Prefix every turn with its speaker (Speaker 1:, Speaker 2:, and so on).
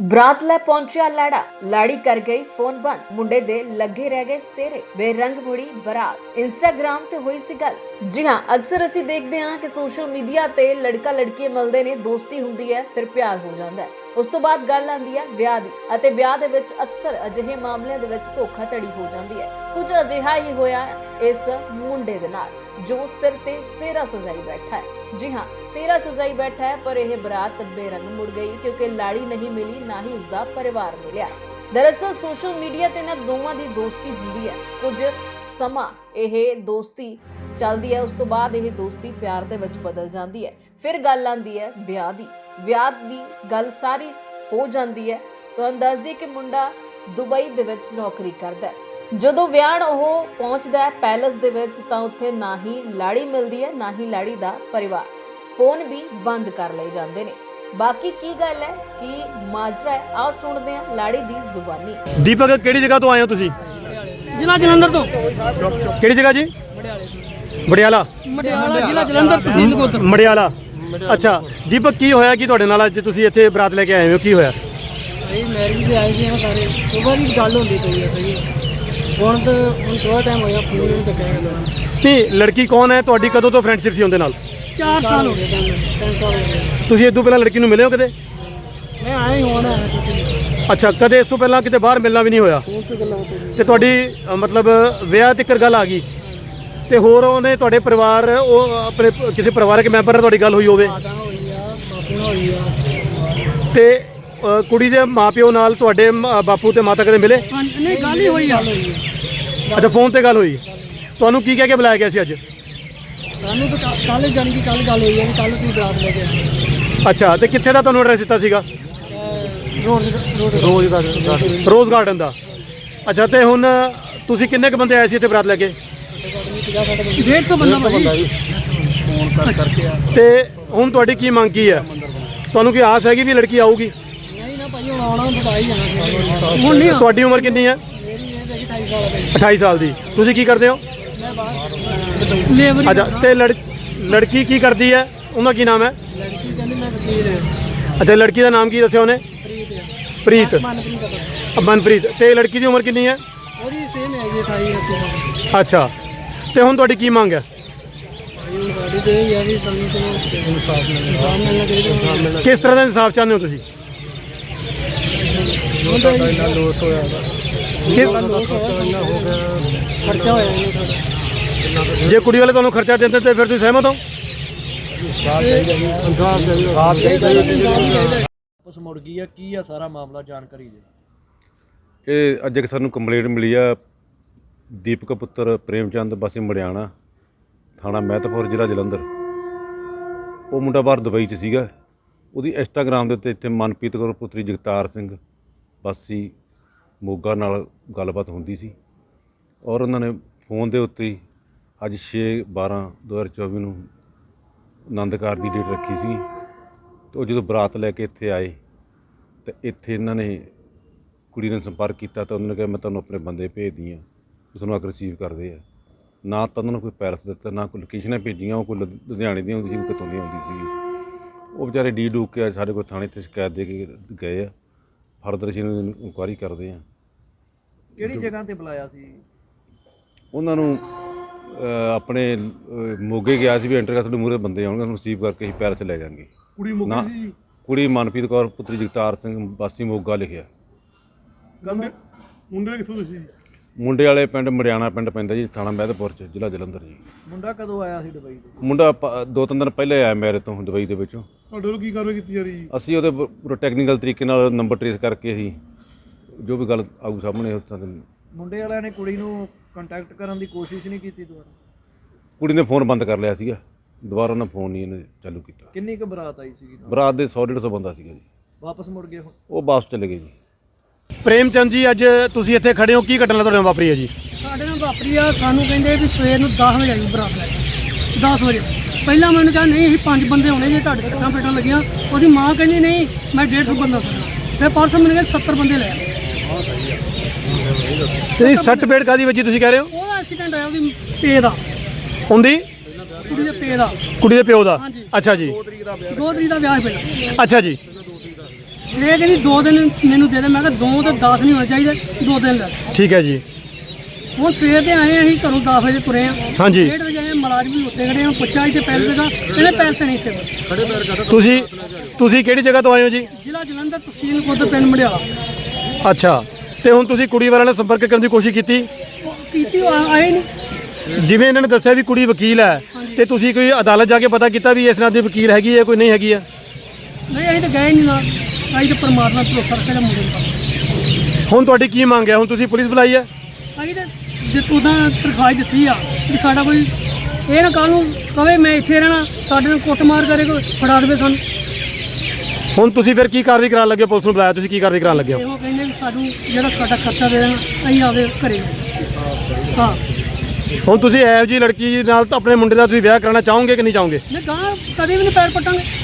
Speaker 1: ਬਰਾਤ ਲੈ ਪਹੁੰਚਿਆ ਲਾੜਾ, ਲਾੜੀ ਕਰ ਗਈ ਫੋਨ ਬੰਦ, ਮੁੰਡੇ ਦੇ ਲੱਗੇ ਰਹਿ ਗਏ ਸੇਰੇ, ਬੇਰੰਗ ਮੁੜੀ ਬਰਾਤ। ਇੰਸਟਾਗ੍ਰਾਮ ਤੇ ਹੋਈ ਸੀ ਗੱਲ। ਜੀ ਹਾਂ, ਅਕਸਰ ਅਸੀਂ ਦੇਖਦੇ ਹਾਂ ਕਿ ਸੋਸ਼ਲ ਮੀਡੀਆ ਤੇ ਲੜਕਾ ਲੜਕੀ ਮਿਲਦੇ ਨੇ, ਦੋਸਤੀ ਹੁੰਦੀ ਹੈ, ਫਿਰ ਪਿਆਰ ਹੋ ਜਾਂਦਾ ਹੈ। ਉਸ ਤੋਂ ਬਾਅਦ ਗੱਲ ਆਉਂਦੀ ਹੈ ਵਿਆਹ ਦੀ, ਅਤੇ ਵਿਆਹ ਦੇ ਵਿੱਚ ਅਕਸਰ ਅਜਿਹੇ ਮਾਮਲਿਆਂ ਦੇ ਵਿੱਚ ਧੋਖਾਧੜੀ ਹੋ ਜਾਂਦੀ ਹੈ। ਕੁਝ ਅਜਿਹਾ ਹੀ ਹੋਇਆ ਇਸ ਮੁੰਡੇ ਦੇ ਨਾਲ, ਜੋ ਸਿਰ ਤੇ ਸੇਰਾ ਸਜਾਈ ਬੈਠਾ ਹੈ। जी हाँ, सेरा सजाई बैठा है, पर यह बरात बेरंग मुड़ गई क्योंकि लाड़ी नहीं मिली, ना ही उसका परिवार मिलिया। दरअसल सोशल मीडिया ते ना दोवां दी दोस्ती हुंदी है, कुछ समा यह दोस्ती चलदी है, उस तो बाद यह दोस्ती प्यार दे विच बदल जाती है। फिर गल आंदी है विआह दी गल सारी हो जाती है। तुहानूं दस दईए कि मुंडा दुबई दे विच नौकरी करदा है। ਜਦੋਂ ਵਿਆਹਣ ਉਹ ਪਹੁੰਚਦਾ ਹੈ ਪੈਲਸ ਦੇ ਵਿੱਚ, ਤਾਂ ਉੱਥੇ ਨਾ ਹੀ ਲਾੜੀ ਮਿਲਦੀ ਹੈ, ਨਾ ਹੀ ਲਾੜੀ ਦਾ ਪਰਿਵਾਰ। ਫੋਨ ਵੀ ਬੰਦ ਕਰ ਲਏ ਜਾਂਦੇ ਨੇ। ਬਾਕੀ ਕੀ ਗੱਲ ਹੈ, ਕੀ ਮਾਜਰਾ ਹੈ, ਆਓ ਸੁਣਦੇ ਹਾਂ ਲਾੜੀ ਦੀ ਜ਼ੁਬਾਨੀ।
Speaker 2: ਦੀਪਕ, ਕਿਹੜੀ ਜਗ੍ਹਾ ਤੋਂ ਆਏ ਹੋ ਤੁਸੀਂ?
Speaker 3: ਜ਼ਿਲ੍ਹਾ ਜਲੰਧਰ ਤੋਂ।
Speaker 2: ਕਿਹੜੀ ਜਗ੍ਹਾ ਜੀ? ਮੜਿਆਲਾ।
Speaker 3: ਜ਼ਿਲ੍ਹਾ ਜਲੰਧਰ, ਤਹਿਸੀਲ ਨਕੋਦਰ।
Speaker 2: ਮੜਿਆਲਾ। ਅੱਛਾ ਦੀਪਕ, ਕੀ ਹੋਇਆ ਕਿ ਤੁਹਾਡੇ ਨਾਲ ਅੱਜ ਤੁਸੀਂ ਇੱਥੇ ਬਰਾਤ ਲੈ ਕੇ ਆਏ ਹੋ? ਕੀ ਹੋਇਆ?
Speaker 3: ਭਾਈ ਮੈਰਿਜ ਤੇ ਆਏ ਸੀ ਸਾਰੇ, ਸੁਬਾਹ ਦੀ ਗੱਲ ਹੁੰਦੀ ਪਈ ਹੈ ਸਹੀ। ਹੁਣ ਥੋੜਾ ਟਾਈਮ ਹੋਇਆ, ਫੋਨ ਨਹੀਂ ਚੱਕਿਆ ਗਿਆ।
Speaker 2: ਨਹੀਂ, ਲੜਕੀ ਕੌਣ ਹੈ ਤੁਹਾਡੀ? ਕਦੋਂ ਤੋਂ ਫਰੈਂਡਸ਼ਿਪ ਸੀ ਉਹਦੇ ਨਾਲ?
Speaker 3: 4 ਸਾਲ ਹੋ ਗਏ, 3 ਸਾਲ ਹੋ ਗਏ।
Speaker 2: ਤੁਸੀਂ ਇਸ ਤੋਂ ਪਹਿਲਾਂ ਲੜਕੀ ਨੂੰ ਮਿਲੇ ਹੋ ਕਦੇ?
Speaker 3: ਮੈਂ ਆਇਆ ਹੀ ਹੁਣ ਆਇਆ ਸੀ।
Speaker 2: ਅੱਛਾ, ਕਦੇ ਇਸ ਤੋਂ ਪਹਿਲਾਂ ਕਿਤੇ ਬਾਹਰ ਮਿਲਣਾ ਵੀ ਨਹੀਂ ਹੋਇਆ? ਤੇ ਤੁਹਾਡੀ ਮਤਲਬ ਵਿਆਹ ਤੱਕ ਗੱਲ ਆ ਗਈ, ਤੇ ਹੋਰ ਉਹਨੇ ਤੁਹਾਡੇ ਪਰਿਵਾਰ, ਉਹ ਆਪਣੇ ਕਿਸੇ ਪਰਿਵਾਰਕ ਮੈਂਬਰ ਨਾਲ ਤੁਹਾਡੀ ਗੱਲ ਹੋਈ ਹੋਵੇ? ਤੇ ਕੁੜੀ ਦੇ ਮਾਪਿਓ ਨਾਲ ਤੁਹਾਡੇ ਬਾਪੂ ਤੇ ਮਾਤਾ ਕਦੇ ਮਿਲੇ?
Speaker 3: ਨਹੀਂ, ਗੱਲ ਹੀ ਹੋਈ ਆ।
Speaker 2: ਅੱਛਾ, ਫੋਨ ਤੇ ਗੱਲ ਹੋਈ। ਤੁਹਾਨੂੰ ਕੀ ਕਹਿ ਕੇ ਬੁਲਾਇਆ ਗਿਆ ਸੀ ਅੱਜ?
Speaker 3: ਸਾਨੂੰ ਤਾਂ ਕੱਲ ਜਾਣੀ ਕਿ ਕੱਲ ਗੱਲ ਹੋਈ ਹੈ ਵੀ ਕੱਲ ਤੁਸੀਂ ਬਰਾਤ ਲੈ ਕੇ ਆਏ।
Speaker 2: ਅੱਛਾ, ਤੇ ਕਿੱਥੇ ਦਾ ਤੁਹਾਨੂੰ ਐਡਰੈਸ ਦਿੱਤਾ ਸੀਗਾ? ਰੋਜ਼ ਗਾਰਡਨ ਦਾ। ਅੱਛਾ, ਤੇ ਹੁਣ ਤੁਸੀਂ ਕਿੰਨੇ ਕੁ ਬੰਦੇ ਆਏ ਸੀ ਇੱਥੇ ਬਰਾਤ ਲੈ ਕੇ?
Speaker 3: 150 ਬੰਦਾ ਜੀ।
Speaker 2: ਤੇ ਹੁਣ ਤੁਹਾਡੀ ਕੀ ਮੰਗ ਕੀ ਹੈ? ਤੁਹਾਨੂੰ ਕੀ ਆਸ ਹੈਗੀ ਵੀ ਲੜਕੀ ਆਊਗੀ?
Speaker 3: ਨਹੀਂ ਨਾ ਭਾਈ, ਹੁਣ ਆਉਣਾ ਬਤਾ ਹੀ ਜਾਣਾ। ਹੁਣ ਨਹੀਂ।
Speaker 2: ਤੁਹਾਡੀ ਉਮਰ ਕਿੰਨੀ ਹੈ?
Speaker 3: ਮੇਰੀ ਇਹ ਹੈਗੀ 28 ਸਾਲ ਦੀ।
Speaker 2: 28 ਸਾਲ ਦੀ। ਤੁਸੀਂ ਕੀ ਕਰਦੇ ਹੋ?
Speaker 3: ਮੈਂ ਬਾਹਰ ਲੇਬਰ।
Speaker 2: ਅੱਛਾ, ਤੇ ਲੜਕੀ ਕੀ ਕਰਦੀ ਹੈ? ਉਹਦਾ ਕੀ ਨਾਮ ਹੈ?
Speaker 3: ਲੜਕੀ ਕਹਿੰਦੀ ਮੈਂ ਵਕੀਲ ਹਾਂ।
Speaker 2: ਅੱਛਾ, ਲੜਕੀ ਦਾ ਨਾਮ ਕੀ ਦੱਸਿਆ ਉਹਨੇ? ਪ੍ਰੀਤ। ਮਨਪ੍ਰੀਤ। ਤੇ ਲੜਕੀ ਦੀ ਉਮਰ ਕਿੰਨੀ ਹੈ?
Speaker 3: ਉਹਦੀ ਸੇਮ ਹੈ ਜੀ, 28
Speaker 2: ਅੱਛਾ, ਤੇ ਹੁਣ ਤੁਹਾਡੀ ਕੀ ਮੰਗ ਹੈ?
Speaker 3: ਸਾਡੀ ਤੇ ਇਹ ਹੈ ਵੀ ਸਾਨੂੰ ਇਨਸਾਫ ਮਿਲਣਾ ਚਾਹੀਦਾ।
Speaker 2: ਕਿਸ ਤਰ੍ਹਾਂ ਦਾ ਇਨਸਾਫ ਚਾਹੁੰਦੇ ਹੋ ਤੁਸੀਂ?
Speaker 3: ਇੰਨਾ ਲੋਸ ਹੋਇਆ, ਖਰਚਾ ਹੋਇਆ ਇਹਨੂੰ ਸਾਡਾ।
Speaker 2: ਜੇ ਕੁੜੀ ਵਾਲੇ ਤੁਹਾਨੂੰ ਖਰਚਾ ਦਿੰਦੇ ਤੇ ਫਿਰ ਤੁਸੀਂ ਸਹਿਮਤ ਹੋ?
Speaker 4: ਵਾਪਸ ਮੁੜ ਗਈ ਆ, ਕੀ ਆ ਸਾਰਾ ਮਾਮਲਾ, ਜਾਣਕਾਰੀ ਦੇ।
Speaker 5: ਇਹ ਅੱਜ ਇੱਕ ਸਾਨੂੰ ਕੰਪਲੇਂਟ ਮਿਲੀ ਆ, ਦੀਪਕ ਪੁੱਤਰ ਪ੍ਰੇਮਚੰਦ ਵਾਸੀ ਮੜਿਆਣਾ, ਥਾਣਾ ਮਹਿਤਪੁਰ, ਜ਼ਿਲ੍ਹਾ ਜਲੰਧਰ। ਉਹ ਮੁੰਡਾ ਬਾਹਰ ਦੁਬਈ 'ਚ ਸੀਗਾ। ਉਹਦੀ ਇੰਸਟਾਗ੍ਰਾਮ ਦੇ ਉੱਤੇ ਇੱਥੇ ਮਨਪ੍ਰੀਤ ਕੌਰ ਪੁੱਤਰੀ ਜਗਤਾਰ ਸਿੰਘ ਵਾਸੀ ਮੋਗਾ ਨਾਲ ਗੱਲਬਾਤ ਹੁੰਦੀ ਸੀ, ਔਰ ਉਹਨਾਂ ਨੇ ਫੋਨ ਦੇ ਉੱਤੇ ਹੀ ਅੱਜ 6/12/2024 ਨੂੰ ਆਨੰਦ ਕਾਰਜ ਦੀ ਡੇਟ ਰੱਖੀ ਸੀ। ਅਤੇ ਉਹ ਜਦੋਂ ਬਰਾਤ ਲੈ ਕੇ ਇੱਥੇ ਆਏ, ਅਤੇ ਇੱਥੇ ਇਹਨਾਂ ਨੇ ਕੁੜੀ ਨੇ ਸੰਪਰਕ ਕੀਤਾ, ਤਾਂ ਉਹਨਾਂ ਨੇ ਕਿਹਾ ਮੈਂ ਤੁਹਾਨੂੰ ਆਪਣੇ ਬੰਦੇ ਭੇਜਦੀ ਹਾਂ, ਤੁਹਾਨੂੰ ਆ ਕੇ ਰਿਸੀਵ ਕਰਦੇ ਆ। ਨਾ ਤਾਂ ਉਹਨਾਂ ਨੂੰ ਕੋਈ ਪੈਲਸ ਦਿੱਤਾ, ਨਾ ਕੋਈ ਲੋਕੇਸ਼ਨਾਂ ਭੇਜੀਆਂ। ਉਹ ਕੋਈ ਲੁਧਿਆਣੇ ਦੀ ਆਉਂਦੀ ਸੀ, ਕੋਈ ਕਿਤੋਂ ਦੀ ਆਉਂਦੀ ਸੀ। ਉਹ ਵਿਚਾਰੇ ਡੀ ਡੂਕ ਕੇ ਸਾਡੇ ਕੋਲ ਥਾਣੇ 'ਤੇ ਸ਼ਿਕਾਇਤ ਦੇ ਕੇ ਗਏ ਆ। ਫਰਦਰ ਅਸੀਂ ਇਹਨਾਂ ਦੀ ਇਨਕੁਆਇਰੀ ਕਰਦੇ ਹਾਂ।
Speaker 4: ਕਿਹੜੀ ਜਗ੍ਹਾ ਤੇ ਬੁਲਾਇਆ ਸੀ
Speaker 5: ਉਹਨਾਂ ਨੂੰ? ਆਪਣੇ ਮੋਗੇ ਗਿਆ ਸੀ ਵੀ ਐਂਟਰ ਕਰ, ਤੁਹਾਡੇ ਮੂਹਰੇ ਬੰਦੇ ਆਉਣਗੇ, ਉਹਨੂੰ ਰਿਸੀਵ ਕਰਕੇ ਅਸੀਂ ਪੈਲਸ ਲੈ ਜਾਵਾਂਗੇ। ਨਾ, ਕੁੜੀ ਮਨਪ੍ਰੀਤ ਕੌਰ ਪੁੱਤਰੀ ਜਗਤਾਰ ਸਿੰਘ ਵਾਸੀ ਮੋਗਾ ਲਿਖਿਆ।
Speaker 2: ਮੁੰਡੇ ਕਿੱਥੋਂ ਤੁਸੀਂ?
Speaker 5: ਮੁੰਡੇ ਵਾਲੇ ਪਿੰਡ ਮੜਿਆਣਾ ਪਿੰਡ ਪੈਂਦਾ ਜੀ, ਥਾਣਾ ਮਹਿਤਪੁਰ 'ਚ, ਜ਼ਿਲ੍ਹਾ ਜਲੰਧਰ ਜੀ।
Speaker 4: ਮੁੰਡਾ ਕਦੋਂ ਆਇਆ ਸੀ ਦੁਬਈ ਤੋਂ?
Speaker 5: ਮੁੰਡਾ 2-3 ਦਿਨ ਪਹਿਲੇ ਆਇਆ ਮੇਰੇ ਤੋਂ ਦੁਬਈ ਦੇ ਵਿੱਚੋਂ।
Speaker 2: ਤੁਹਾਡੇ ਵੱਲੋਂ ਕੀ ਕਾਰਵਾਈ ਕੀਤੀ ਜਾ ਰਹੀ?
Speaker 5: ਅਸੀਂ ਉਹਦੇ ਪੂਰਾ ਟੈਕਨੀਕਲ ਤਰੀਕੇ ਨਾਲ ਨੰਬਰ ਟਰੇਸ ਕਰਕੇ ਅਸੀਂ ਜੋ ਵੀ ਗੱਲ ਆਊ ਸਾਹਮਣੇ ਉਸ ਤਰ੍ਹਾਂ ਦੇ।
Speaker 4: ਮੁੰਡੇ ਵਾਲਿਆਂ ਨੇ ਕੁੜੀ ਨੂੰ ਕੰਟੈਕਟ ਕਰਨ ਦੀ ਕੋਸ਼ਿਸ਼ ਨਹੀਂ ਕੀਤੀ ਦੁਬਾਰਾ?
Speaker 5: ਕੁੜੀ ਨੇ ਫੋਨ ਬੰਦ ਕਰ ਲਿਆ ਸੀਗਾ, ਦੁਬਾਰਾ ਉਹਨਾਂ ਫੋਨ ਨਹੀਂ ਇਹਨੇ ਚਾਲੂ ਕੀਤਾ।
Speaker 4: ਕਿੰਨੀ ਕੁ ਬਰਾਤ ਆਈ ਸੀਗੀ?
Speaker 5: ਬਰਾਤ ਦੇ 100-150 ਬੰਦਾ ਸੀਗਾ ਜੀ।
Speaker 4: ਵਾਪਸ ਮੁੜ ਗਏ ਹੁਣ?
Speaker 5: ਉਹ ਵਾਪਸ ਚਲੇ ਗਏ ਜੀ।
Speaker 2: ਪ੍ਰੇਮਚੰਦ ਜੀ, ਅੱਜ ਤੁਸੀਂ ਇੱਥੇ ਖੜੇ ਹੋ, ਕੀ ਘਟਨਾ ਤੁਹਾਡੇ ਨਾਲ ਵਾਪਰੀ ਹੈ ਜੀ?
Speaker 3: ਸਾਡੇ ਨਾਲ ਵਾਪਰੀ ਆ, ਸਾਨੂੰ ਕਹਿੰਦੇ ਵੀ ਸਵੇਰ ਨੂੰ 10 ਵਜੇ ਆਈ ਬਰਾਤ ਲੈ ਕੇ। 10 ਵਜੇ ਪਹਿਲਾਂ ਮੈਨੂੰ ਕਿਹਾ ਨਹੀਂ, ਅਸੀਂ 5 ਬੰਦੇ ਹੋਣੇ ਜੇ, ਤੁਹਾਡੇ ਸੱਟਾਂ ਪੇਟਾਂ ਲੱਗੀਆਂ। ਉਹਦੀ ਮਾਂ ਕਹਿੰਦੀ ਨਹੀਂ, ਮੈਂ 150 ਬੰਦਾ ਸੀ। ਫਿਰ ਪਰਸੋਂ ਮੈਨੂੰ ਕਹਿੰਦੇ 70 ਬੰਦੇ ਲੈ ਆਏ।
Speaker 2: ਤੁਸੀਂ ਸੱਟ ਪੇਟ ਕਾਦੀ ਵਜੀ ਤੁਸੀਂ ਕਹਿ ਰਹੇ ਹੋ?
Speaker 3: ਉਹਦਾ ਐਕਸੀਡੈਂਟ ਆਇਆ ਉਹਦੀ ਪੇ ਦਾ,
Speaker 2: ਹੁੰਦੀ
Speaker 3: ਕੁੜੀ ਦੇ ਪੇ ਦਾ,
Speaker 2: ਕੁੜੀ ਦੇ ਪਿਓ ਦਾ।
Speaker 3: ਹਾਂਜੀ।
Speaker 2: ਅੱਛਾ ਜੀ,
Speaker 3: 2 ਤਰੀਕ ਦਾ ਵਿਆਹ ਪਹਿਲਾਂ।
Speaker 2: ਅੱਛਾ ਜੀ।
Speaker 3: ਇਹ ਕਹਿੰਦੀ 2 ਦਿਨ ਮੈਨੂੰ ਦੇ ਦੇ। ਮੈਂ ਕਿਹਾ 2 ਤੇ 10 ਨਹੀਂ ਹੋਣੇ ਚਾਹੀਦੇ, 2 ਦਿਨ ਲੈ।
Speaker 2: ਠੀਕ ਹੈ ਜੀ।
Speaker 3: ਹੁਣ ਸਵੇਰ ਦੇ ਆਏ ਅਸੀਂ ਘਰੋਂ 10 ਵਜੇ ਤੁਰੇ ਆ।
Speaker 2: ਹਾਂਜੀ
Speaker 3: 1:30 ਵਜੇ ਆਏ, ਮੁਲਾਜ਼ਮ ਵੀ ਉੱਤੇ ਖੜੇ ਆ। ਪੁੱਛਿਆ ਇੱਥੇ ਪੈਸੇ ਦਾ, ਕਹਿੰਦੇ ਪੈਸੇ ਨਹੀਂ ਇੱਥੇ।
Speaker 2: ਤੁਸੀਂ ਕਿਹੜੀ ਜਗ੍ਹਾ ਤੋਂ ਆਏ ਹੋ ਜੀ?
Speaker 3: ਜ਼ਿਲ੍ਹਾ ਜਲੰਧਰ, ਤਹਿਸੀਲ ਖੁਦ, ਪਿੰਡ ਮੜਿਆਲਾ।
Speaker 2: ਅੱਛਾ, ਤੇ ਹੁਣ ਤੁਸੀਂ ਕੁੜੀ ਵਾਲਿਆਂ ਨਾਲ ਸੰਪਰਕ ਕਰਨ ਦੀ ਕੋਸ਼ਿਸ਼ ਕੀਤੀ?
Speaker 3: ਕੀਤੀ, ਆਏ ਨਹੀਂ।
Speaker 2: ਜਿਵੇਂ ਇਹਨਾਂ ਨੇ ਦੱਸਿਆ ਵੀ ਕੁੜੀ ਵਕੀਲ ਹੈ, ਤੇ ਤੁਸੀਂ ਕੋਈ ਅਦਾਲਤ ਜਾ ਕੇ ਪਤਾ ਕੀਤਾ ਵੀ ਇਸ ਨਾਲ ਦੀ ਵਕੀਲ ਹੈਗੀ ਹੈ ਕੋਈ ਨਹੀਂ ਹੈਗੀ ਹੈ?
Speaker 3: ਨਹੀਂ, ਅਸੀਂ ਤਾਂ ਗਏ ਨਹੀਂ ਨਾਲ। ਅਸੀਂ ਤਾਂ ਪਰਮਾਤਮਾ ਤੋਂ ਭਰੋਸਾ ਰੱਖਿਆ ਮੁੰਡੇ ਨੂੰ।
Speaker 2: ਹੁਣ ਤੁਹਾਡੀ ਕੀ ਮੰਗ ਹੈ? ਹੁਣ ਤੁਸੀਂ ਪੁਲਿਸ ਬੁਲਾਈ ਹੈ?
Speaker 3: ਅਸੀਂ ਤਾਂ ਜੇ ਉਹਦਾ ਤਰਖਾਹ ਦਿੱਤੀ ਆ ਵੀ ਸਾਡਾ ਕੋਈ ਇਹ ਨਾ ਕੱਲ੍ਹ ਨੂੰ ਕਵੇ ਮੈਂ ਇੱਥੇ ਰਹਿਣਾ, ਸਾਡੇ ਨਾਲ ਕੁੱਟਮਾਰ ਕਰੇ, ਕੋਈ ਫੜਾ ਦੇਵੇ ਸਾਨੂੰ।
Speaker 2: ਹੁਣ ਤੁਸੀਂ ਫਿਰ ਕੀ ਕਾਰਵਾਈ ਕਰਾਉਣ ਲੱਗੇ ਹੋ? ਪੁਲਿਸ ਨੂੰ ਬੁਲਾਇਆ, ਤੁਸੀਂ ਕੀ ਕਾਰਵਾਈ ਕਰਾਉਣ ਲੱਗੇ ਹੋ?
Speaker 3: ਇਹੋ ਕਹਿੰਦੇ ਵੀ ਸਾਨੂੰ ਜਿਹੜਾ ਸਾਡਾ ਖਰਚਾ ਦੇ ਦੇਣਾ, ਅਸੀਂ ਆਵੇ ਘਰੇ। ਹਾਂ,
Speaker 2: ਹੁਣ ਤੁਸੀਂ ਇਹੋ ਜਿਹੀ ਲੜਕੀ ਨਾਲ ਤਾਂ ਆਪਣੇ ਮੁੰਡੇ ਦਾ ਤੁਸੀਂ ਵਿਆਹ ਕਰਾਉਣਾ ਚਾਹੋਗੇ ਕਿ ਨਹੀਂ ਚਾਹੋਗੇ?
Speaker 3: ਨਹੀਂ ਗਾਂ ਕਦੇ ਵੀ ਨਹੀਂ ਪੈਰ ਪਟਾਂਗੇ।